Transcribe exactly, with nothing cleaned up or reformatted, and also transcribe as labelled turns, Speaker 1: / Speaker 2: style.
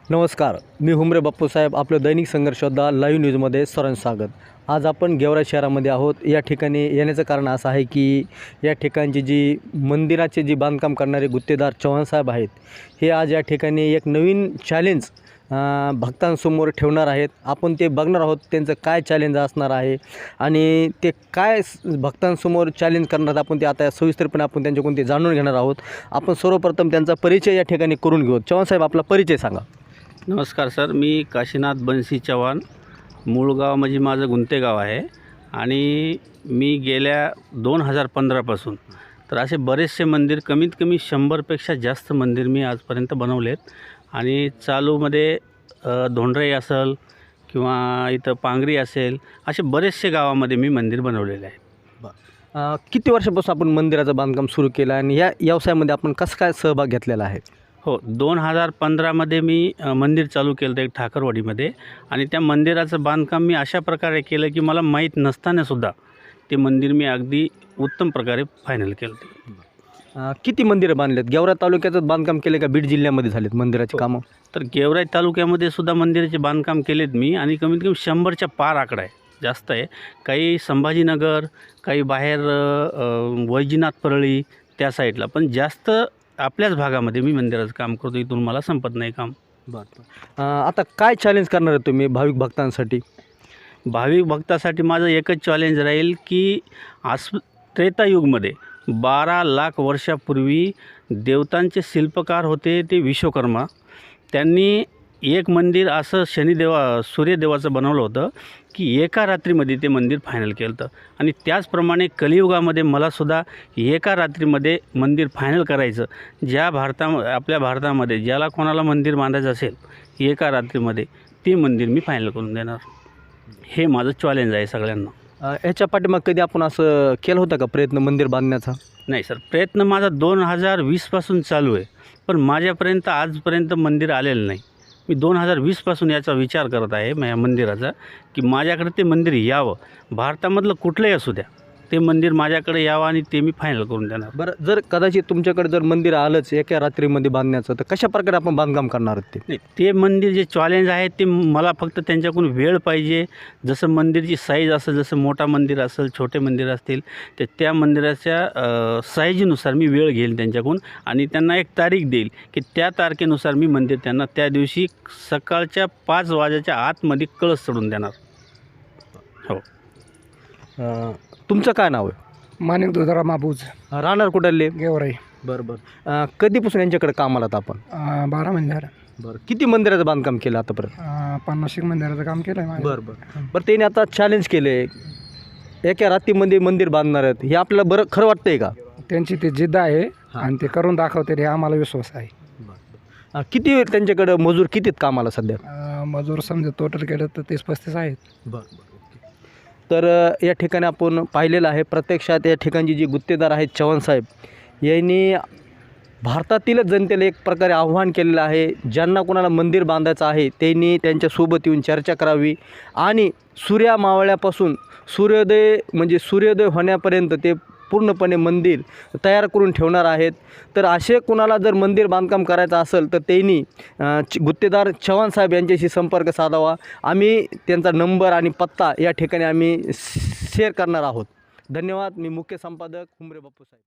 Speaker 1: नमस्कार, मी हुमरे बाप्पूसाहेब. आपलं दैनिक संघर्षयोद्धा लाईव्ह न्यूजमध्ये सर्वांचं स्वागत. आज आपण गेवराई शहरामध्ये आहोत. या ठिकाणी येण्याचं कारण असं आहे की या ठिकाणची जी मंदिराचे जी बांधकाम करणारे गुत्तेदार चव्हाणसाहेब आहेत, हे आज या ठिकाणी एक नवीन चॅलेंज भक्तांसमोर ठेवणार आहेत. आपण ते बघणार आहोत, त्यांचं काय चॅलेंज असणार आहे आणि ते काय भक्तांसमोर चॅलेंज करणार, आपण ते आता सविस्तरपणे आपण त्यांच्याकडून ते जाणून घेणार आहोत. आपण सर्वप्रथम त्यांचा परिचय या ठिकाणी करून घेऊ. चव्हाणसाहेब, आपला परिचय सांगा.
Speaker 2: नमस्कार सर, मी काशीनाथ बन्सी चव्हाण. मूळ गाव म्हणजे माझं गुंते गाव आहे आणि मी गेल्या दोन हजार पंधरापासून तर असे बरेचसे मंदिर, कमीत कमी शंभरपेक्षा जास्त मंदिर मी आजपर्यंत बनवलेत. आणि चालूमध्ये धोंडराई असेल किंवा इथं पांगरी असेल, असे बरेचसे गावामध्ये मी मंदिर बनवलेले आहे.
Speaker 1: किती वर्षापासून आपण मंदिराचं बांधकाम सुरू केलं आणि या व्यवसायामध्ये आपण कसं काय सहभाग घेतलेला आहे?
Speaker 2: हो, दोन हजार पंधरामध्ये मी मंदिर चालू केलं होतं एक ठाकरवाडीमध्ये. आणि त्या मंदिराचं बांधकाम मी अशा प्रकारे केलं की मला माहीत नसतानासुद्धा ते मंदिर मी अगदी उत्तम प्रकारे फायनल केलं ते.
Speaker 1: किती मंदिरं बांधलेत? गेवराई तालुक्याचं बांधकाम केले का बीड जिल्ह्यामध्ये झालेत मंदिराचे कामं?
Speaker 2: तर गेवराई तालुक्यामध्ये सुद्धा मंदिराचे बांधकाम केलेत मी, आणि कमीत कमी शंभरच्या पार आकडा आहे, जास्त आहे. काही संभाजीनगर, काही बाहेर वैजनाथ परळी त्या साईडला, पण जास्त आपल्याच भागामध्ये मी मंदिराचं काम करतो. इथून मला संपत नाही काम.
Speaker 1: बरं. आता काय चॅलेंज करणार आहे तुम्ही भाविक भक्तांसाठी?
Speaker 2: भाविक भक्तासाठी माझं एकच चॅलेंज राहील की आस त्रेतायुगमध्ये बारा लाख वर्षापूर्वी देवतांचे शिल्पकार होते ते विश्वकर्मा. त्यांनी एक मंदिर असं शनिदेवा सूर्यदेवाचं बनवलं होतं की एका रात्रीमध्ये ते मंदिर फायनल केलं होतं. आणि त्याचप्रमाणे कलियुगामध्ये मलासुद्धा एका रात्रीमध्ये मंदिर फायनल करायचं. ज्या भारता आपल्या भारतामध्ये ज्याला कोणाला मंदिर बांधायचं असेल एका रात्रीमध्ये, ते मंदिर मी फायनल करून देणार. हे माझं चॅलेंज आहे सगळ्यांना.
Speaker 1: याच्या पाठीमाग कधी आपण असं केलं होतं का प्रयत्न मंदिर बांधण्याचा?
Speaker 2: नाही सर, प्रयत्न माझा दोन हजार वीसपासून चालू आहे, पण माझ्यापर्यंत आजपर्यंत मंदिर आलेलं नाही. मी दोन हजार वीसपासून याचा विचार करत आहे या मंदिराचा, की माझ्याकडे ते मंदिर यावं. भारतामधलं कुठलंही असू द्या, ते मंदिर माझ्याकडे यावं आणि ते मी फायनल करून देणार.
Speaker 1: बरं, जर कदाचित तुमच्याकडे जर मंदिर आलंच एका रात्रीमध्ये बांधण्याचं, तर कशा प्रकारे आपण बांधकाम करणार आहोत ते?
Speaker 2: नाही, ते मंदिर जे चॅलेंज आहे ते मला फक्त त्यांच्याकडून वेळ पाहिजे. जसं मंदिरची साईज असेल, जसं मोठा मंदिर असेल, छोटे मंदिर असतील, तर त्या मंदिराच्या साईजनुसार मी वेळ घेईल त्यांच्याकडून आणि त्यांना एक तारीख देईल की त्या तारखेनुसार मी मंदिर त्यांना त्या दिवशी सकाळच्या पाच वाजेच्या आतमध्ये कळस चढून देणार. हो.
Speaker 1: तुमचं काय नाव आहे?
Speaker 3: माणिक दुधारा माबूज,
Speaker 1: राहणार कुठले?
Speaker 3: गेवराई.
Speaker 1: बरं बरं. कधीपासून यांच्याकडे कामाला आहात आपण?
Speaker 3: अं, बारा महिने झालं.
Speaker 1: बरं. किती मंदिराचं बांधकाम केलं आतापर्यंत?
Speaker 3: अं, पन्नास एक मंदिराचं काम केलं आहे.
Speaker 1: बरं बरं बरं त्याने आता चॅलेंज केले एका रात्रीमध्ये मंदिर बांधणार आहेत, हे आपल्याला बरं खरं वाटतंय का?
Speaker 3: त्यांची ती जिद्द आहे आणि ते करून दाखवते, हे आम्हाला विश्वास आहे.
Speaker 1: बरं. किती त्यांच्याकडं मजूर कितीत कामाला सध्या?
Speaker 3: अं, मजूर समजा टोटल केलं तर तीस पस्तीस आहेत.
Speaker 1: बरं बरं तर या ठिकाणी आपण पाहिलेलं आहे. प्रत्यक्षात या ठिकाणची जी गुत्तेदार आहेत चव्हाणसाहेब, यांनी भारतातीलच जनतेला एक प्रकारे आव्हान केलेलं आहे. ज्यांना कोणाला मंदिर बांधायचं आहे त्यांनी त्यांच्यासोबत येऊन चर्चा करावी आणि सूर्या मावळ्यापासून सूर्योदय म्हणजे सूर्योदय होण्यापर्यंत ते पूर्णपणे मंदिर तयार करून ठेवणार आहेत. तर असे कोणाला जर मंदिर बांधकाम करायचं असेल तर त्यांनी गुत्तेदार चव्हाणसाहेब यांच्याशी संपर्क साधावा. आम्ही त्यांचा नंबर आणि पत्ता या ठिकाणी आम्ही शेअर करणार आहोत. धन्यवाद. मी मुख्य संपादक हुमरे बाप्पूसाहेब.